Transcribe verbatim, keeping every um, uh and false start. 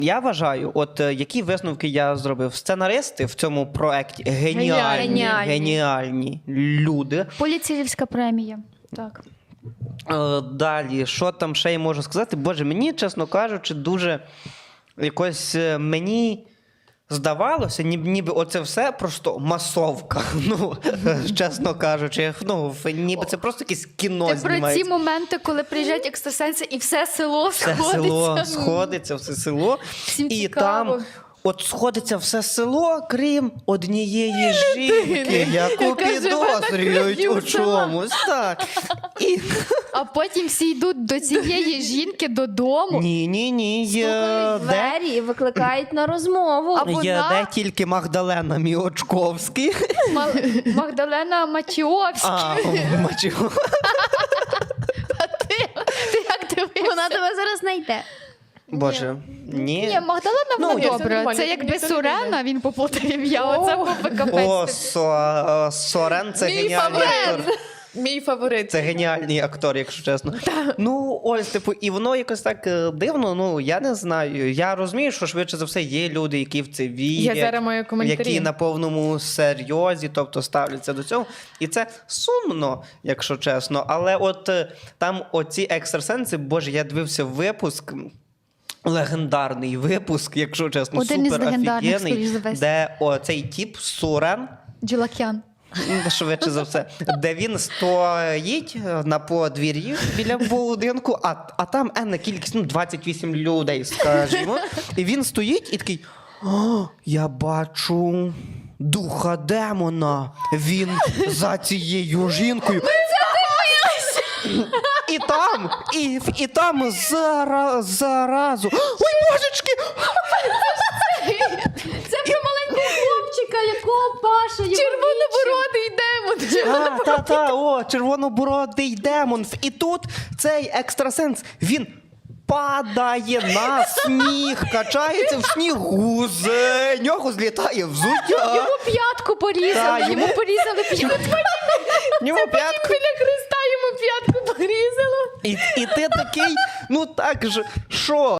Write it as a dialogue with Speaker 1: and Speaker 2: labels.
Speaker 1: Я вважаю, от е, які висновки я зробив. Сценаристи в цьому проєкті геніальні,
Speaker 2: Геніальні.
Speaker 1: геніальні люди.
Speaker 2: Поліцейська премія. Так.
Speaker 1: Е, Далі, що там ще я можу сказати? Боже, мені, чесно кажучи, дуже якось е, мені здавалося, ніби, ніби оце все просто масовка. Ну, чесно кажучи, ну, ніби це просто якесь кіно
Speaker 2: Ти про ці
Speaker 1: знімається.
Speaker 2: моменти, коли приїжджають екстрасенси і все село
Speaker 1: Все
Speaker 2: сходиться.
Speaker 1: село сходиться, все село.
Speaker 2: Всім
Speaker 1: І
Speaker 2: цікаво.
Speaker 1: там от сходиться все село, крім однієї жінки, яку
Speaker 2: яка живе на
Speaker 1: підозрюють
Speaker 2: краю
Speaker 1: у
Speaker 2: села.
Speaker 1: чомусь. Так. І...
Speaker 2: А потім всі йдуть до цієї жінки додому.
Speaker 1: Ні, ні, ні. Є,
Speaker 3: Стукають в
Speaker 1: де,
Speaker 3: двері і викликають на розмову.
Speaker 2: А вона-
Speaker 1: є де тільки Магдалена Міочковський.
Speaker 2: Ма- Магдалена Матіовська.
Speaker 1: А, мачу.
Speaker 2: Ти, ти як дивишся?
Speaker 3: Вона тебе зараз знайде.
Speaker 1: Боже, ні.
Speaker 2: Ні, Магдалена
Speaker 1: Ну,
Speaker 2: вона
Speaker 1: ні,
Speaker 4: це
Speaker 2: добра.
Speaker 4: нормально,
Speaker 2: Це
Speaker 4: тобі
Speaker 2: якби
Speaker 4: ніхто не
Speaker 2: Сурена,
Speaker 4: вийде.
Speaker 2: він поплутав ім'я. Оце був би
Speaker 1: О,
Speaker 2: капець.
Speaker 1: Со, е, Сорен це
Speaker 4: Мій
Speaker 1: геніальний
Speaker 4: фаворит.
Speaker 1: актор.
Speaker 4: Мій фаворит.
Speaker 1: Це геніальний актор, якщо чесно. Ну, ось, типу, і воно якось так е, дивно, ну, я не знаю. Я розумію, що швидше за все є люди, які в це вірять.
Speaker 4: Я зараз маю коментарі.
Speaker 1: Які на повному серйозі, тобто ставляться до цього. І це сумно, якщо чесно. Але от е, там оці екстрасенси, боже, я дивився випуск. Легендарний випуск, якщо чесно,
Speaker 2: Один із
Speaker 1: супер
Speaker 2: легендарних,
Speaker 1: офігенний,
Speaker 2: скоріш за весь.
Speaker 1: де оцей тіп Сурен,
Speaker 2: Джилакян.
Speaker 1: ну, швидше за все, де він стоїть на подвір'ї біля будинку, а, а там енна кількість, ну, двадцять вісім людей, скажімо. І він стоїть і такий: «О, я бачу духа демона. Він за цією жінкою». І там, і, і там зара, заразу. Ой, божечки!
Speaker 3: Це про маленького хлопчика, якого Паша його
Speaker 4: Червонобородий демон.
Speaker 1: А, та, та, о, червонобородий демон. І тут цей екстрасенс, він падає на сніг, качається в снігу, з нього злітає взуття.
Speaker 2: Йому п'ятку порізали,
Speaker 1: Та,
Speaker 2: йому
Speaker 1: йому-
Speaker 2: порізали п'ятку.
Speaker 1: Ньому п'ятку.
Speaker 4: Біля Христа йому п'ятку порізало.
Speaker 1: І, і ти такий, ну так же, що?